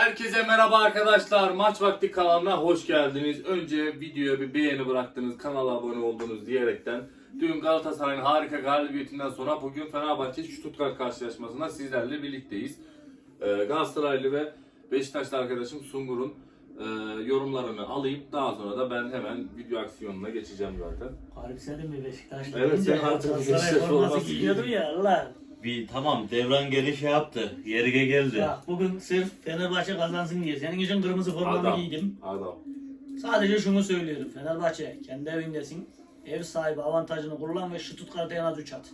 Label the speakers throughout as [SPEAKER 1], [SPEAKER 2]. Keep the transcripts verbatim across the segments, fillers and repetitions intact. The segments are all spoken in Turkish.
[SPEAKER 1] Herkese merhaba arkadaşlar. Maç Vakti kanalına hoş geldiniz. Önce videoya bir beğeni bıraktınız, kanala abone oldunuz diyerekten dün Galatasaray'ın harika galibiyetinden sonra bugün Fenerbahçe Stuttgart karşılaşmasında sizlerle birlikteyiz. Ee, Galatasaraylı ve Beşiktaşlı arkadaşım Sungur'un e, yorumlarını alayım. Daha sonra da ben hemen video aksiyonuna geçeceğim zaten.
[SPEAKER 2] Harbi sen de mi Beşiktaşlı?
[SPEAKER 1] Evet, sen artık Beşiktaş forması
[SPEAKER 2] giyiyordun ya Allah.
[SPEAKER 3] Bir tamam devran geri şey yaptı. Yerine geldi.
[SPEAKER 2] Ya bugün sırf Fenerbahçe kazansın diye senin için kırmızı formamı
[SPEAKER 1] Adam,
[SPEAKER 2] giydim.
[SPEAKER 1] adam.
[SPEAKER 2] Sadece şunu söylüyorum. Fenerbahçe kendi evindesin. Ev sahibi avantajını kullan ve Stuttgart'a en az üç at.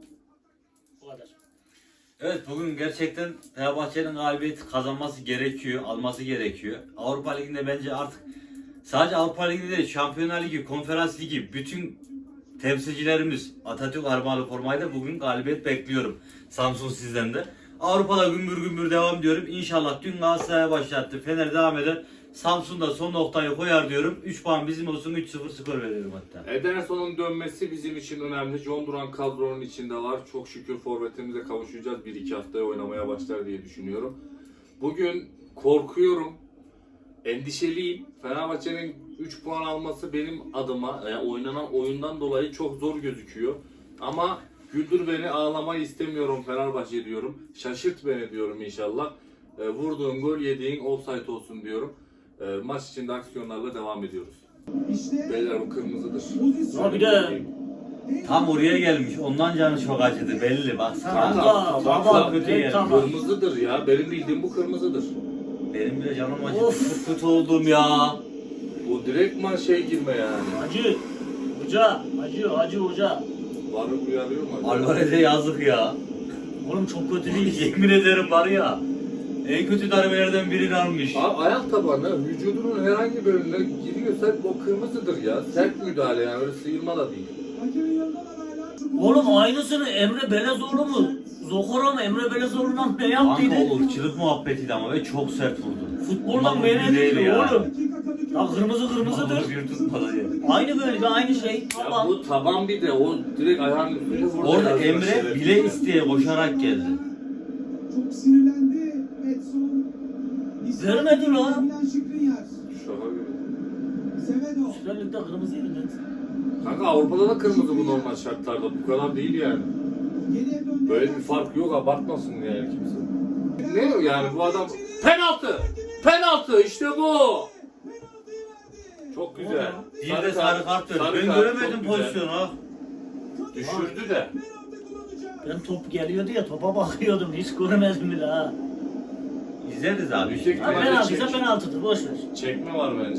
[SPEAKER 2] Bu kadar.
[SPEAKER 3] Evet bugün gerçekten Fenerbahçe'nin galibiyeti kazanması gerekiyor, alması gerekiyor. Avrupa Ligi'nde bence artık sadece Avrupa Ligi'nde değil, Şampiyonlar Ligi, Konferans Ligi bütün temsilcilerimiz Atatürk armağanı formayla bugün galibiyet bekliyorum. Samsun sizden de. Avrupa'da gümbür gümbür devam diyorum. İnşallah dün Galatasaray'a başlattı. Fener devam eder. Samsun'da son noktayı koyar diyorum. üç puan bizim olsun, üç sıfır skor veriyorum hatta.
[SPEAKER 1] Ederson'un dönmesi bizim için önemli. John Duran kadronun içinde var. Çok şükür forvetimize kavuşacağız. bir iki haftaya oynamaya başlar diye düşünüyorum. Bugün korkuyorum. Endişeliyim. Fenerbahçe'nin üç puan alması benim adıma yani oynanan oyundan dolayı çok zor gözüküyor. Ama güldür beni, ağlamayı istemiyorum Fenerbahçe diyorum. Şaşırt beni diyorum inşallah. E, vurduğun gol yediğin offside olsun diyorum. E, maç içinde aksiyonlarla devam ediyoruz. Beyler bu kırmızıdır.
[SPEAKER 2] Ha bir de
[SPEAKER 3] Tam oraya gelmiş. Ondan canı çok acıdı belli. Baksana.
[SPEAKER 1] Tamam,
[SPEAKER 3] Çok
[SPEAKER 1] tamam,
[SPEAKER 3] kötü
[SPEAKER 2] evet,
[SPEAKER 3] geldi.
[SPEAKER 2] tamam.
[SPEAKER 1] Kırmızıdır ya. Benim bildiğim bu kırmızıdır.
[SPEAKER 3] Benim bile canım acıdı.
[SPEAKER 2] Of.
[SPEAKER 3] Çok kötü oldum ya.
[SPEAKER 1] Bu direktman şey girme yani.
[SPEAKER 2] Hacı Hoca, Hacı, Hacı Hoca.
[SPEAKER 1] Varı uyarıyor mu?
[SPEAKER 3] Alvarez'e yazık ya.
[SPEAKER 2] Oğlum çok kötü değil.
[SPEAKER 3] Yemin ederim var ya. En kötü darbelerden birini almış.
[SPEAKER 1] Abi ayak tabanı vücudunun herhangi bir bölümüne giriyorsa o kırmızıdır ya. Sert müdahale yani öyle sıyırma da değil.
[SPEAKER 2] Oğlum aynısını Emre Belezoğlu mu? Zokora mı? Emre Belezoğlu'ndan ne yaptıydı?
[SPEAKER 3] Kanka olur çılık muhabbetiydi ama ve çok sert vurdu.
[SPEAKER 2] Futboldan
[SPEAKER 3] Ondan
[SPEAKER 2] beğenildi
[SPEAKER 3] değil ya.
[SPEAKER 2] oğlum. Ya kırmızı kırmızıdır.
[SPEAKER 3] Onu bir tutmadı ya.
[SPEAKER 2] Aynı bölge, aynı şey.
[SPEAKER 1] Ya
[SPEAKER 2] Tamam.
[SPEAKER 1] bu taban bir de o direkt ayağın üstüne vurdu.
[SPEAKER 3] Orada
[SPEAKER 1] ya.
[SPEAKER 3] Emre bile isteye koşarak geldi.
[SPEAKER 4] Çok sinirlendi Edson.
[SPEAKER 2] Vermedi lan.
[SPEAKER 1] Şaka gibi.
[SPEAKER 4] Semedo.
[SPEAKER 2] Süper Lig'de kırmızıydı net.
[SPEAKER 1] Kanka Avrupa'da da kırmızı bu normal şartlarda. Bu kadar değil yani.
[SPEAKER 4] Geriye döndü.
[SPEAKER 1] Böyle bir fark yok, abartmasın yani kimse. Ne yani bu adam? Penaltı! Penaltı! İşte bu! Çok güzel.
[SPEAKER 3] Bir de sarı kart verdi. Ben
[SPEAKER 1] kart,
[SPEAKER 3] göremedim
[SPEAKER 1] çok güzel.
[SPEAKER 3] pozisyonu ha.
[SPEAKER 1] Düşürdü de.
[SPEAKER 2] Ben top geliyordu ya, topa bakıyordum. Hiç görmedim bile ha.
[SPEAKER 3] İzleriz abi.
[SPEAKER 1] Yüksek
[SPEAKER 2] Ha,
[SPEAKER 1] ihtimalle
[SPEAKER 2] penaltıysa
[SPEAKER 1] çek-
[SPEAKER 2] penaltıdır, boş ver.
[SPEAKER 1] Çekme var bence.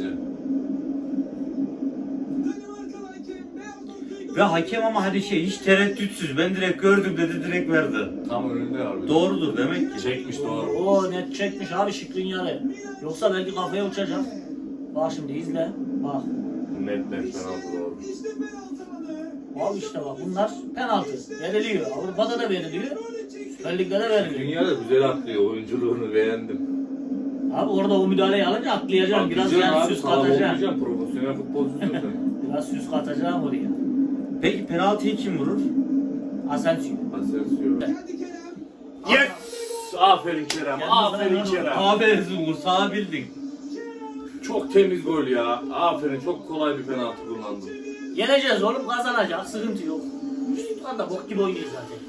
[SPEAKER 3] Ve hakem ama hadi şey hiç tereddütsüz. Ben direkt gördüm dedi direkt verdi.
[SPEAKER 1] Tam önünde abi.
[SPEAKER 3] Doğrudur demek ki.
[SPEAKER 1] Çekmiş doğru.
[SPEAKER 2] Oo net çekmiş abi Şikrinyar'ı. Yoksa belki kafaya uçacak. Bak şimdi izle. Bak.
[SPEAKER 1] Net net penaltı doğru.
[SPEAKER 2] Abi işte bak bunlar penaltı. Veriliyor. Avrupa'da da veriliyor. Süper Lig'de de veriliyor.
[SPEAKER 1] Dünya da güzel atlıyor. Oyunculuğunu beğendim.
[SPEAKER 2] Abi orada o müdahaleyi alınca atlayacaksın. Biraz
[SPEAKER 1] Atlayacaksın
[SPEAKER 2] yani
[SPEAKER 1] abi,
[SPEAKER 2] süs
[SPEAKER 1] sağlam
[SPEAKER 2] katacaksın.
[SPEAKER 1] olmayacaksın. Profesyonel futbolcusun sen.
[SPEAKER 2] Biraz süs katacaksın oraya.
[SPEAKER 3] Peki penaltıyı kim vurur?
[SPEAKER 2] Asensio.
[SPEAKER 1] Asensio. Yes! Aferin Kerem. Aferin Kerem.
[SPEAKER 3] Aferin Zungur sağ bildin.
[SPEAKER 1] Çok temiz gol ya. Aferin. Çok kolay bir penaltı kullandın.
[SPEAKER 2] Yeneceğiz oğlum, kazanacak. Sıkıntı yok. Şu da bok gibi oynuyor zaten.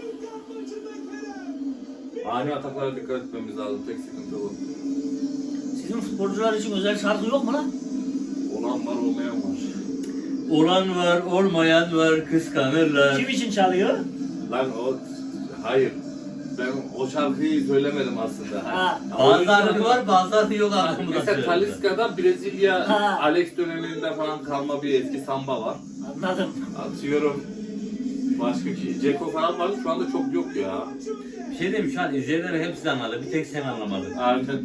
[SPEAKER 1] Ani ataklara dikkat etmemiz lazım. Tek sıkıntı bu.
[SPEAKER 2] Sizin futbolcular için özel şarkı yok mu lan?
[SPEAKER 1] Olan var olmayan var.
[SPEAKER 3] Olan var olmayan var kıskanırlar.
[SPEAKER 2] Kim için çalıyor?
[SPEAKER 1] Lan o... Hayır. Ben o şarkıyı söylemedim aslında.
[SPEAKER 2] Ha.
[SPEAKER 3] Bazıları var bazıları yok
[SPEAKER 1] Ha,
[SPEAKER 3] aklımda.
[SPEAKER 1] mesela Talisca'da Brezilya
[SPEAKER 2] Ha.
[SPEAKER 1] Alex döneminde falan kalma bir eski samba var.
[SPEAKER 2] Anladım.
[SPEAKER 1] Atıyorum. Başka ki Ceko falan vardı, şu anda çok yok ya.
[SPEAKER 3] Bir şey diyeyim şu an izleyenler hepsi anladı. Bir tek sen anlamadın.
[SPEAKER 1] Aynen.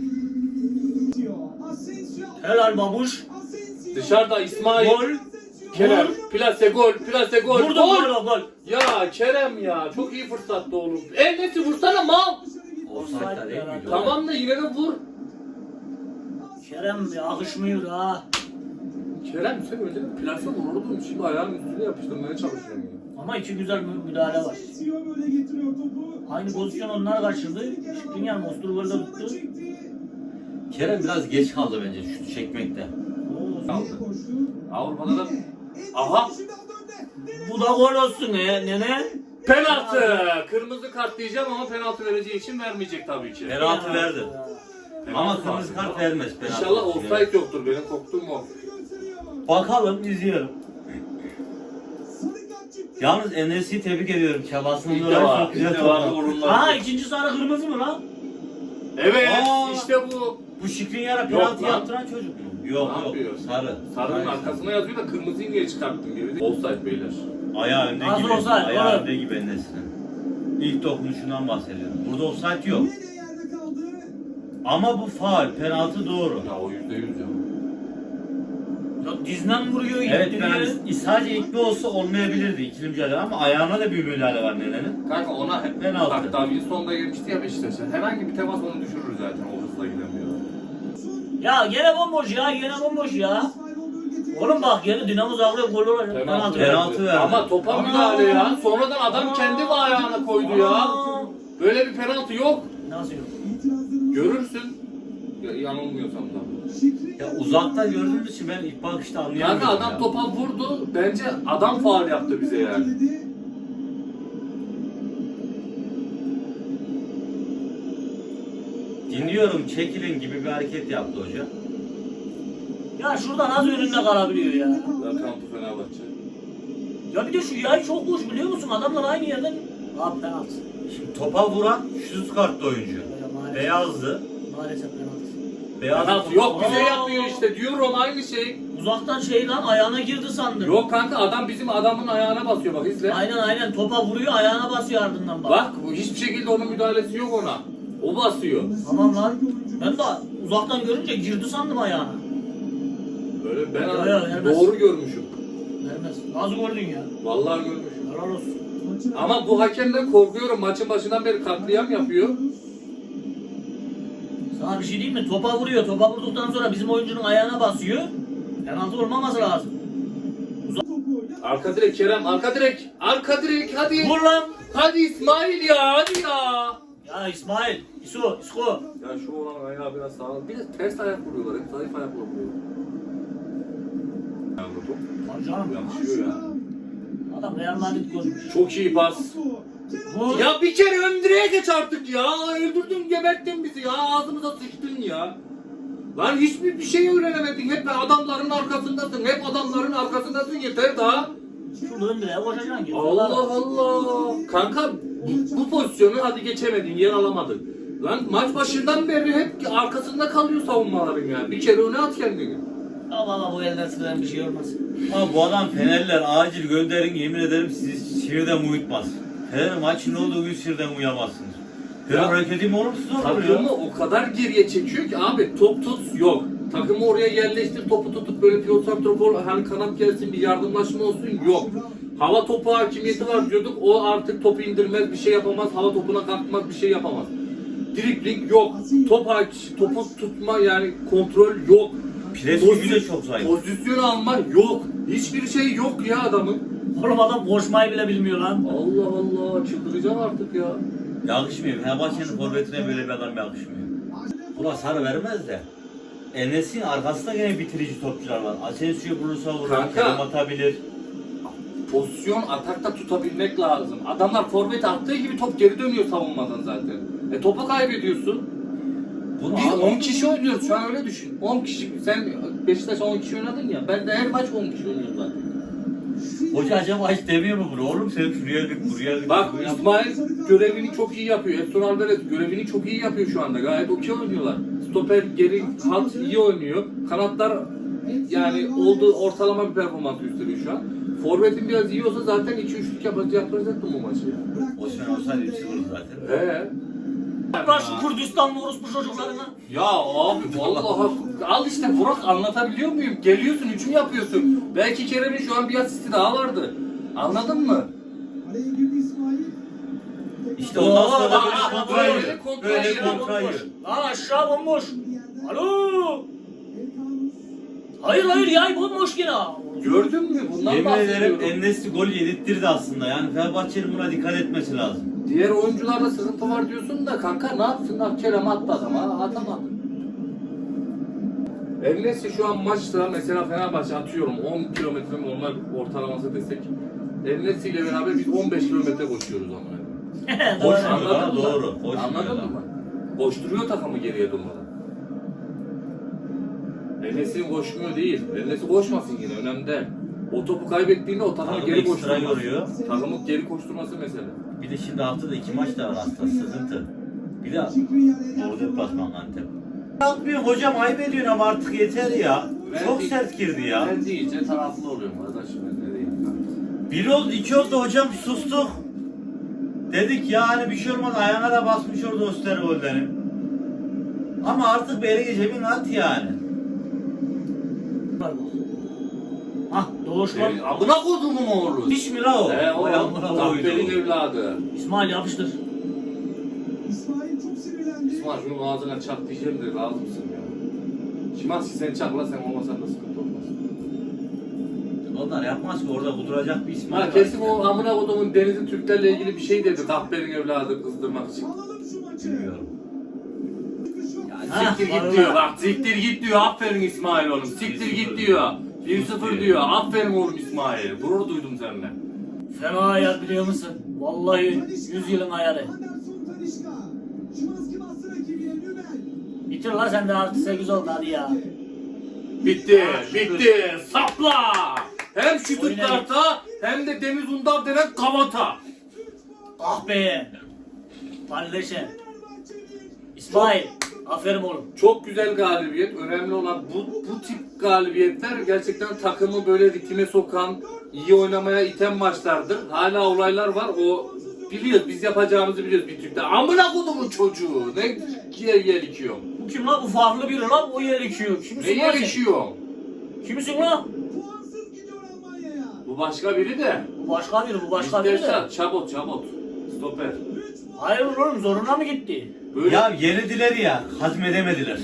[SPEAKER 2] Helal babuş.
[SPEAKER 1] Dışarıda İsmail.
[SPEAKER 2] Gol.
[SPEAKER 1] Kerem. Plase gol. Plase gol.
[SPEAKER 2] Vurdu
[SPEAKER 1] Gol.
[SPEAKER 2] gol gol.
[SPEAKER 1] Ya Kerem ya. Çok iyi fırsattı oğlum. El nesi vursana mal.
[SPEAKER 3] Offside'da değil miydi?
[SPEAKER 1] Tamam da yine de vur.
[SPEAKER 2] Kerem bir akışmıyor ha.
[SPEAKER 1] Kerem sen önce de plase vururdun. Şimdi ayağın üstüne yapıştırmaya çalışıyorum ya.
[SPEAKER 2] Ama iki güzel mü- müdahale var. Aynı pozisyon onlar kaçırdı. Şikrinyar Mosturgol'da tuttu.
[SPEAKER 3] Kerem biraz geç kaldı bence şut çekmekte.
[SPEAKER 2] Oo,
[SPEAKER 1] Kaldı.
[SPEAKER 4] Koştu.
[SPEAKER 1] Avrupa'da da aha
[SPEAKER 2] bu da gol olsun ne nene?
[SPEAKER 1] penaltı. Kırmızı kart diyeceğim ama penaltı vereceği için vermeyecek tabii ki.
[SPEAKER 3] Penaltı verdi. Ama
[SPEAKER 1] Penaltı
[SPEAKER 3] kırmızı
[SPEAKER 1] var.
[SPEAKER 3] kart vermez penaltı.
[SPEAKER 1] İnşallah offside yoktur. Benim korktuğum o.
[SPEAKER 3] Bakalım izliyorum.
[SPEAKER 4] Sarı kart çıktı.
[SPEAKER 3] Yalnız Enes'i tebrik ediyorum. Çabasını
[SPEAKER 1] İlk
[SPEAKER 3] dolayı
[SPEAKER 1] defa,
[SPEAKER 3] çok
[SPEAKER 1] ilk
[SPEAKER 3] güzel
[SPEAKER 1] defa
[SPEAKER 3] topladı.
[SPEAKER 1] vururlar.
[SPEAKER 2] Aa ikinci sarı kırmızı mı lan?
[SPEAKER 1] Evet,
[SPEAKER 3] Aa.
[SPEAKER 1] işte bu.
[SPEAKER 3] Bu Şikrinyar'a penaltı
[SPEAKER 1] lan.
[SPEAKER 3] yaptıran çocuk mu? Yok
[SPEAKER 1] Ne
[SPEAKER 3] yok.
[SPEAKER 1] yapıyor?
[SPEAKER 3] Sarı.
[SPEAKER 1] Sarının
[SPEAKER 3] Hayır.
[SPEAKER 1] arkasına yazıyor da kırmızıyı niye çıkarttın gibi. Offside beyler.
[SPEAKER 3] Ayağı önde
[SPEAKER 2] Nasıl
[SPEAKER 3] gibi.
[SPEAKER 2] offside,
[SPEAKER 3] Ayağı
[SPEAKER 2] oğlum?
[SPEAKER 3] önde gibi Enes'in. İlk dokunuşundan bahsediyorum. Burada offside yok.
[SPEAKER 4] Yine yerde kaldı.
[SPEAKER 3] Ama bu faul. Penaltı doğru.
[SPEAKER 1] Ya o yüzde yüz ya.
[SPEAKER 2] Ya dizden vuruyor
[SPEAKER 3] Evet
[SPEAKER 2] gittiriyor.
[SPEAKER 3] ben sadece ikli olsa olmayabilirdi ikili mücadele ama ayağına da bir müdahale var nenenin.
[SPEAKER 1] Kanka ona hep
[SPEAKER 3] Penaltı.
[SPEAKER 1] bak Davinson da gelmişti ya Beşiktaş'a. Herhangi bir temas onu düşürür zaten. O hızla gidemiyor.
[SPEAKER 2] Ya gene bomboş ya gene bomboş ya. Oğlum bak gene Dinamo Zagreb gol olacak.
[SPEAKER 1] Penaltı,
[SPEAKER 3] Penaltı verdi.
[SPEAKER 1] Ama topa
[SPEAKER 2] Aa.
[SPEAKER 1] müdahale ya. Sonradan adam
[SPEAKER 2] Aa.
[SPEAKER 1] kendi ayağına koydu ya.
[SPEAKER 2] Aa.
[SPEAKER 1] Böyle bir penaltı yok.
[SPEAKER 2] Nasıl yok?
[SPEAKER 4] İtirazlarımız
[SPEAKER 1] Görürsün. Ya, yanılmıyorsam da.
[SPEAKER 4] Şikri
[SPEAKER 3] Ya uzaktan gördüğümüz için ben ilk bakışta anlayamıyorum.
[SPEAKER 1] Kanka adam
[SPEAKER 3] ya.
[SPEAKER 1] topa vurdu. Bence adam faul yaptı bize yani.
[SPEAKER 4] dedi.
[SPEAKER 3] Dinliyorum çekilin gibi bir hareket yaptı hoca.
[SPEAKER 2] Ya şurada nasıl önünde kalabiliyor ya?
[SPEAKER 1] Zaten bu Fenerbahçe.
[SPEAKER 2] Ya bir de şu yay çok boş biliyor musun? Adamlar aynı yerden. Abi penaltı.
[SPEAKER 3] Şimdi topa vuran şut kartlı oyuncu.
[SPEAKER 2] Ya maalesef.
[SPEAKER 3] Beyazdı.
[SPEAKER 2] Maalesef penaltı.
[SPEAKER 3] Beyaz
[SPEAKER 1] Penaltı yok bize
[SPEAKER 2] Aa.
[SPEAKER 1] yapıyor işte. Diyorum aynı şey.
[SPEAKER 2] Uzaktan şey lan ayağına girdi sandım.
[SPEAKER 1] Yok kanka adam bizim adamın ayağına basıyor bak izle.
[SPEAKER 2] Aynen aynen topa vuruyor ayağına basıyor ardından bak.
[SPEAKER 1] Bak bu hiçbir şekilde onun müdahalesi yok ona. O basıyor.
[SPEAKER 2] Tamam lan. Ben de uzaktan görünce girdi sandım ayağına.
[SPEAKER 1] Böyle ben
[SPEAKER 2] Ya, ya, vermez.
[SPEAKER 1] doğru görmüşüm.
[SPEAKER 2] Vermez. Nasıl gördün ya?
[SPEAKER 1] Vallahi görmüşüm.
[SPEAKER 2] Helal olsun.
[SPEAKER 4] Maçın
[SPEAKER 1] Ama bu hakemden korkuyorum. Maçın başından beri katliam yapıyor.
[SPEAKER 2] Sana bir şey diyeyim mi? Topa vuruyor. Topa vurduktan sonra bizim oyuncunun ayağına basıyor. Penaltı olmaması lazım.
[SPEAKER 4] topu
[SPEAKER 1] Arka direk Kerem, arka direk. Arka direk hadi.
[SPEAKER 2] Vur lan.
[SPEAKER 1] Hadi İsmail ya, hadi ya.
[SPEAKER 2] Ya İsmail, İso, İsko.
[SPEAKER 1] Ya şu olan ayağı biraz sağlam. Bir de ters ayak vuruyorlar. Hep zayıf ayakla vuruyor. Ya bu top
[SPEAKER 2] Lan canım.
[SPEAKER 1] yakışıyor ya.
[SPEAKER 2] Adam Real Madrid görmüş.
[SPEAKER 1] Çok iyi pas.
[SPEAKER 2] Vur.
[SPEAKER 1] Ya bir kere ön direğe geç artık ya. Öldürdün, geberttin bizi ya. Ağzımıza sıçtın ya. Lan hiçbir bir şey öğrenemedin. Hep adamların arkasındasın. Hep adamların arkasındasın. Yeter daha.
[SPEAKER 2] Şurada önde koşacaksın ki.
[SPEAKER 1] Allah Allah. Kanka bu, bu pozisyonu hadi geçemedin. Yer alamadın. Lan maç başından beri hep arkasında kalıyor savunmaların ya. Bir kere öne at kendini.
[SPEAKER 2] Ama ama bu elden sıkılan bir şey olmaz.
[SPEAKER 3] Ama bu adam Fenerler acil gönderin yemin ederim sizi şiirden uyutmaz. Fener maçın olduğu gün şiirden uyamazsınız. Fener
[SPEAKER 1] Ya,
[SPEAKER 3] hareketi mi olumsuz olur
[SPEAKER 1] Takımı
[SPEAKER 3] ya?
[SPEAKER 1] o kadar geriye çekiyor ki abi top tut yok. Takımı oraya yerleştir topu tutup böyle pivot santrafor hani kanat gelsin bir yardımlaşma olsun yok. Hava topu hakimiyeti var diyorduk o artık topu indirmez bir şey yapamaz hava topuna kalkmaz bir şey yapamaz. Dribling yok. Top hak- topu tutma yani kontrol yok.
[SPEAKER 3] Pres
[SPEAKER 1] Pozisyon-
[SPEAKER 3] gücü de çok zayıf.
[SPEAKER 1] Pozisyon alma yok. Hiçbir şey yok ya adamın.
[SPEAKER 2] Oğlum adam koşmayı bile bilmiyor lan.
[SPEAKER 1] Allah Allah çıldıracağım artık ya.
[SPEAKER 3] Yakışmıyor. Fenerbahçe'nin forvetine böyle bir adam yakışmıyor. Buna sarı vermez de. Enes'in arkasında gene bitirici topçular var. Asensio'yu bulursa vurur,
[SPEAKER 1] Kanka.
[SPEAKER 3] Kerem atabilir.
[SPEAKER 1] Pozisyon atakta tutabilmek lazım. Adamlar forvet attığı gibi top geri dönüyor savunmadan zaten. E topu kaybediyorsun.
[SPEAKER 3] Bunu
[SPEAKER 1] Biz
[SPEAKER 3] al-
[SPEAKER 1] on kişi oynuyoruz şu an öyle düşün. on kişi. Sen Beşiktaş on kişi oynadın ya. Ben de her maç on kişi oynuyorum zaten.
[SPEAKER 3] Hoca acaba hiç demiyor mu bunu? Oğlum sen şuraya git, buraya git.
[SPEAKER 1] Bak
[SPEAKER 3] buraya git.
[SPEAKER 1] İsmail görevini çok iyi yapıyor. Edson Alvarez görevini çok iyi yapıyor şu anda. Gayet okey oynuyorlar. Stoper geri hat iyi oynuyor. Kanatlar yani olduğu ortalama bir performans gösteriyor şu an. Forvet'in biraz iyi olsa zaten iki üçlük yapacak yapacaktım bu maçı ya.
[SPEAKER 3] Osman olsaydı üç sıfır zaten.
[SPEAKER 1] He.
[SPEAKER 2] Bırak şu Kürdistanlı orospu çocuklarına.
[SPEAKER 1] Ya abi vallahi al işte Burak anlatabiliyor muyum? Geliyorsun hücum yapıyorsun. Belki Kerem'in şu an bir asisti daha vardı. Anladın mı?
[SPEAKER 4] Araya girdi İsmail.
[SPEAKER 3] İşte ondan sonra da
[SPEAKER 1] Aa,
[SPEAKER 3] böyle
[SPEAKER 1] aa,
[SPEAKER 3] kontra yiyor.
[SPEAKER 1] böyle kontra
[SPEAKER 3] Böyle
[SPEAKER 1] yiyor,
[SPEAKER 3] kontra yiyor.
[SPEAKER 2] Lan aşağı bomboş. Alo.
[SPEAKER 4] Elkanus.
[SPEAKER 2] Hayır hayır yay bomboş gene.
[SPEAKER 1] Gördün mü? Bundan
[SPEAKER 3] Yemin ederim
[SPEAKER 1] bahsediyorum.
[SPEAKER 3] Enes'i gol yedirttirdi aslında. Yani Fenerbahçe'nin buna dikkat etmesi lazım.
[SPEAKER 1] Diğer oyuncularda sıkıntı var diyorsun da kanka ne yapsın? Kerem attı adama atamadı. El-Nesri şu an maçta mesela Fenerbahçe atıyorum on kilometre mi onlar ortalaması desek. El-Nesri ile beraber biz on beş kilometre koşuyoruz ama.
[SPEAKER 3] Boş
[SPEAKER 2] Doğru.
[SPEAKER 3] anladın
[SPEAKER 1] Anladın
[SPEAKER 3] mı?
[SPEAKER 1] mı?
[SPEAKER 3] Doğru. Boş
[SPEAKER 1] Anladın mı? Koşturuyor takımı geriye durmadan. El-Nesri koşmuyor değil. El-Nesri koşmasın yine önemli değil. O topu kaybettiğinde o takımı
[SPEAKER 3] Takımı
[SPEAKER 1] geri
[SPEAKER 3] ekstra
[SPEAKER 1] koşturması.
[SPEAKER 3] yoruyor.
[SPEAKER 1] Takımı geri koşturması mesele.
[SPEAKER 3] Bir de şimdi haftada iki maç da var aslında sıkıntı. Bir de orada deplasman Antep. Yapmıyor hocam ayıp ediyorsun ama artık yeter ya. Çok
[SPEAKER 1] Ben-
[SPEAKER 3] sert girdi ya.
[SPEAKER 1] Ben deyince taraflı oluyorum arkadaşım. Ben ne diyeyim ben.
[SPEAKER 3] Bir oldu iki oldu hocam sustuk. Dedik ya hani bir şey olmaz ayağına da basmış orada Osterwolde'nin. Ama artık bir ele cebin at yani.
[SPEAKER 2] Hah Doğuş var.
[SPEAKER 1] Senin amına kodumun oğlu.
[SPEAKER 3] Hiç mi la o?
[SPEAKER 1] He o
[SPEAKER 3] Vay amına
[SPEAKER 1] Kahpe'nin
[SPEAKER 3] koydu.
[SPEAKER 1] evladı.
[SPEAKER 2] İsmail yapıştır.
[SPEAKER 4] İsmail çok sinirlendi.
[SPEAKER 1] İsmail şunun ağzına çak diyeceğim de lazımsın ya. Şimanski sen çakla sen olmasan da sıkıntı olmaz.
[SPEAKER 3] Onlar yapmaz ki orada kuduracak bir İsmail
[SPEAKER 1] Ha
[SPEAKER 3] var.
[SPEAKER 1] kesin o amına kodumun Denizli Türklerle ilgili bir şey dedi Kahpe'nin evladı kızdırmak için.
[SPEAKER 4] Alalım şu maçı.
[SPEAKER 3] Bilmiyorum.
[SPEAKER 2] Ha,
[SPEAKER 1] Siktir
[SPEAKER 2] var
[SPEAKER 1] git
[SPEAKER 2] ulan.
[SPEAKER 1] diyor bak siktir git diyor aferin İsmail oğlum siktir git diyor. bir sıfır diyor aferin oğlum İsmail gurur duydum seninle.
[SPEAKER 2] Fena ayar biliyor musun? Vallahi yüz yılın ayarı.
[SPEAKER 4] Anderson Tanişka. Şimanski bastı rakibine Nübel.
[SPEAKER 2] Bitir lan sen de artı sekiz oldu hadi ya.
[SPEAKER 1] Bitti bitti sapla. Hem şu
[SPEAKER 2] Oyna
[SPEAKER 1] karta hem de Deniz Undar denen kavata.
[SPEAKER 2] Ah be. Palleşe. İsmail. Aferin oğlum.
[SPEAKER 1] Çok güzel galibiyet. Önemli olan bu, bu tip galibiyetler gerçekten takımı böyle ritme sokan, iyi oynamaya iten maçlardır. Hala olaylar var. O biliyoruz. Biz yapacağımızı biliyoruz bir Türk'te. Amına kodumun çocuğu. Ne yer yer içiyor.
[SPEAKER 2] Bu kim lan? Bu farklı biri lan. O yer içiyor.
[SPEAKER 1] Ne
[SPEAKER 2] Kimsin lan
[SPEAKER 1] yer
[SPEAKER 2] sen?
[SPEAKER 1] içiyor?
[SPEAKER 2] Kimsin lan?
[SPEAKER 4] Puansız gidiyor Almanya'ya.
[SPEAKER 1] Bu başka biri de.
[SPEAKER 2] Bu başka biri. Bu başka biri de.
[SPEAKER 1] İstersen çabot çabot. Stoper.
[SPEAKER 2] Hayır oğlum zoruna mı gitti?
[SPEAKER 1] Böyle
[SPEAKER 3] Ya yenildiler ya hazmedemediler.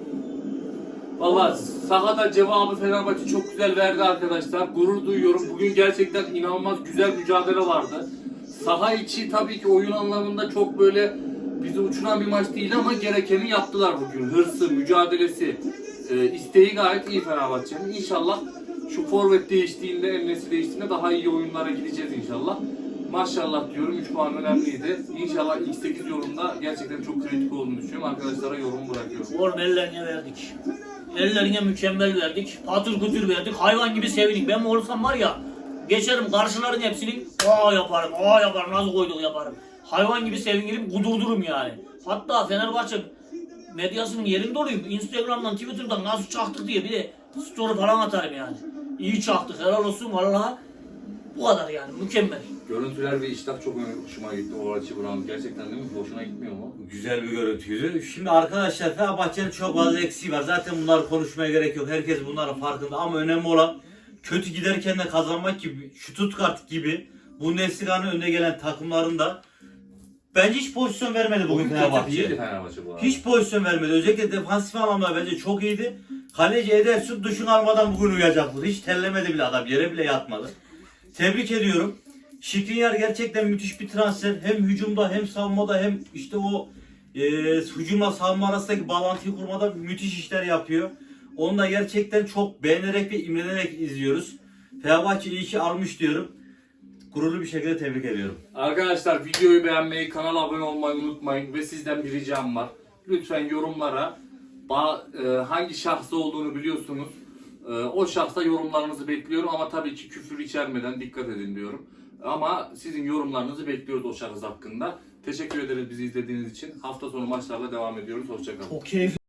[SPEAKER 1] valla sahada cevabı Fenerbahçe çok güzel verdi arkadaşlar. Gurur duyuyorum. Bugün gerçekten inanılmaz güzel mücadele vardı. Saha içi tabii ki oyun anlamında çok böyle bizi uçuran bir maç değil ama gerekeni yaptılar bugün. Hırsı, mücadelesi, e, isteği gayet iyi Fenerbahçe'nin. İnşallah şu forvet değiştiğinde, emnesi değiştiğinde daha iyi oyunlara gideceğiz inşallah. Maşallah diyorum. üç puan önemliydi. İnşallah ilk sekiz yorumda gerçekten çok kritik olduğunu düşünüyorum. Arkadaşlara yorum bırakıyorum.
[SPEAKER 2] Oğlum ellerine verdik. Ellerine mükemmel verdik. Patır kütür verdik. Hayvan gibi sevindik. Ben olsam var ya geçerim karşıların hepsini aa yaparım, aa yaparım, nasıl koyduk yaparım. Hayvan gibi sevinirim, kudurdurum yani. Hatta Fenerbahçe medyasının yerinde olayım. Instagram'dan, Twitter'dan nasıl çaktık diye bir de story falan atarım yani. İyi çaktık, helal olsun vallahi. Bu kadar yani, mükemmel.
[SPEAKER 1] Görüntüler ve iştah çok hoşuma gitti. O açı Brown gerçekten değil mi? Hoşuna gitmiyor mu?
[SPEAKER 3] Güzel bir görüntüydü. Şimdi arkadaşlar Fenerbahçe'nin çok fazla eksiği var. Zaten bunları konuşmaya gerek yok. Herkes bunların farkında ama önemli olan kötü giderken de kazanmak gibi, Stuttgart gibi Bundesliga'nın önde gelen takımlarında bence hiç pozisyon vermedi bugün
[SPEAKER 1] Bugün kötü değildi
[SPEAKER 3] Fenerbahçe.
[SPEAKER 1] Fenerbahçe bu arada.
[SPEAKER 3] Hiç pozisyon vermedi. Özellikle defansif anlamda bence çok iyiydi. Kaleci Ederson duşunu almadan bugün uyuyacaktı. Hiç terlemedi bile adam. Yere bile yatmadı. Tebrik ediyorum. Skriniar gerçekten müthiş bir transfer. Hem hücumda hem savunmada hem işte o e, hücumla savunma arasındaki bağlantıyı kurmada müthiş işler yapıyor. Onu da gerçekten çok beğenerek ve imrenerek izliyoruz. Fenerbahçe iyi ki almış diyorum. Gururlu bir şekilde tebrik ediyorum.
[SPEAKER 1] Arkadaşlar videoyu beğenmeyi, kanala abone olmayı unutmayın ve sizden bir ricam var. Lütfen yorumlara ba- e, hangi şahsı olduğunu biliyorsunuz. E, o şahsa yorumlarınızı bekliyorum ama tabii ki küfür içermeden dikkat edin diyorum. Ama sizin yorumlarınızı bekliyoruz o şahıs hakkında. Teşekkür ederiz bizi izlediğiniz için. Hafta sonu maçlarla devam ediyoruz. Hoşçakalın.
[SPEAKER 2] Çok keyifli.